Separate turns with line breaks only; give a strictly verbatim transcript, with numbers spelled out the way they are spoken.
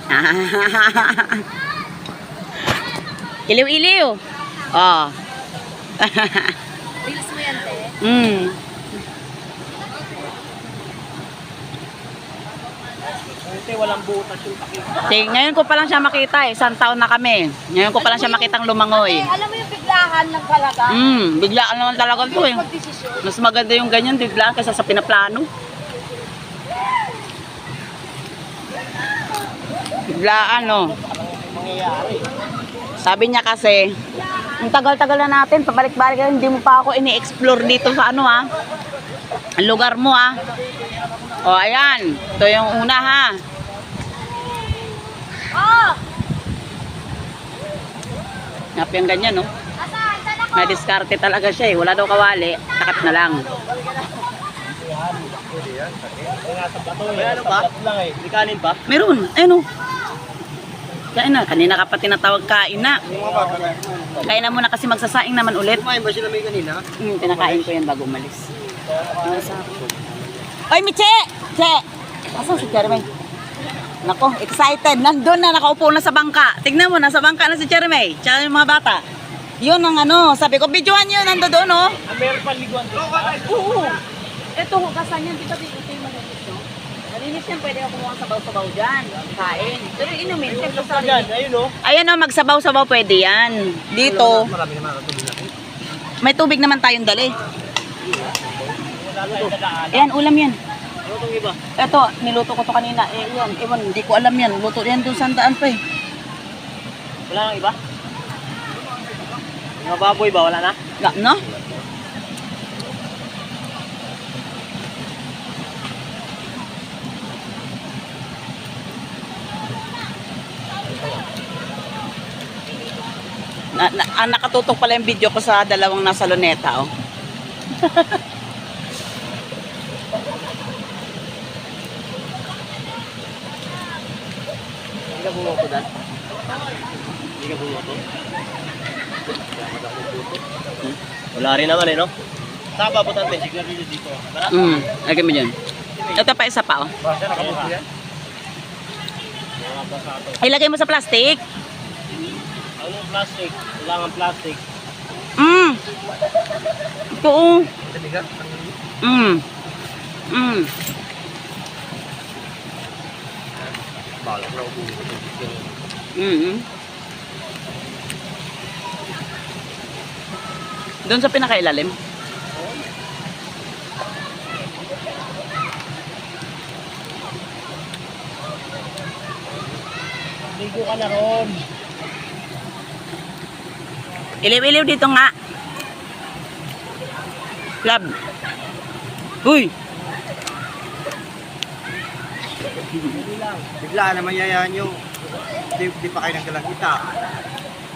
Iliw-iliw. Oh.
Bilis mo yan, te.
Mm.
Kasi walang butas yung pakita.
Ting, ngayon ko pa lang siya makita eh. Isang taon na kami. Ngayon ko pa lang siya makitang lumangoy.
Eh, alam mo yung biglahan ng talaga?
Mm, biglaan naman talaga to eh.
Magdesisyon.
Mas maganda yung ganyan, biglaan kaysa sa pinaplano. Biglaan, no.
Mangyayari.
Sabi niya kasi, ang tagal-tagal na natin, pabalik-balik na, hindi mo pa ako ini-explore dito sa ano ha. Ang lugar mo ha. O, ayan. Ito yung una ha.
Oh!
Ngap yung ganyan, no.
Nasaan? Saan ako?
Nadiskarte talaga siya eh. Wala daw kawali. Takap na lang.
May ano ba? Lang eh. May kanin ba?
Meron. Ayun, oh. Kain na. Kanina ka pa tinatawag kain na. Kain na muna kasi magsasaing naman ulit.
Kumain ba sila may kanina?
Hmm, pinakain ko yan bago umalis. Oy, Miche! Che! Asan si Jeremy? Nako, excited. Nandun na, nakaupo na sa bangka. Tignan mo, nasa bangka na si Jeremy. Tsaka yung mga bata. Yun ang ano, sabi ko, videohan nyo, nando doon, oh.
Ah, meron pa liguan doon.
Oo. Ito, hugasan yan. Di ba dito yung malinis, no? Malinis yan, pwede ako kumuha sabaw-sabaw dyan. Kain. Pero inumin, siyempre sa
Ayan, ayun o.
Ayan o, magsabaw-sabaw pwede yan. Dito,
Marami naman ang tubig natin.
may tubig naman tayong dali.
Wala tayong dadaan.
Ayan, ulam yan.
Ano itong iba?
Ito, niluto ko to kanina. Eh, yan, ewan, hindi ko alam yan. Luto yan doon sa daan pa eh.
Wala nang iba? Mga baboy ba? Wala na?
Na, no? Na, na, ah, nakatutok pala yung video ko sa dalawang nasa luneta, oh.
Hindi ka bumuto dan? Hindi ka bumuto? Hmm? Wala rin naman eh, no? Saan ba butante? Siguro dito. Bara?
Mm, lagyan mo dyan. Ito pa isa pa, oh.
Basta nakabuto yan?
Ilagay mo sa plastic.
Anong plastic? Kailangan plastic.
Mm. Ito, oh.
Tiga?
Mm. Mm.
Balak na ubo.
Mm. Doon sa pinakailalim.
Ligo ka na ron.
Iliw-iliw dito nga. Club. Uy!
Bigla naman yayahan nyo. Di, di pa kayo nagdalang kita.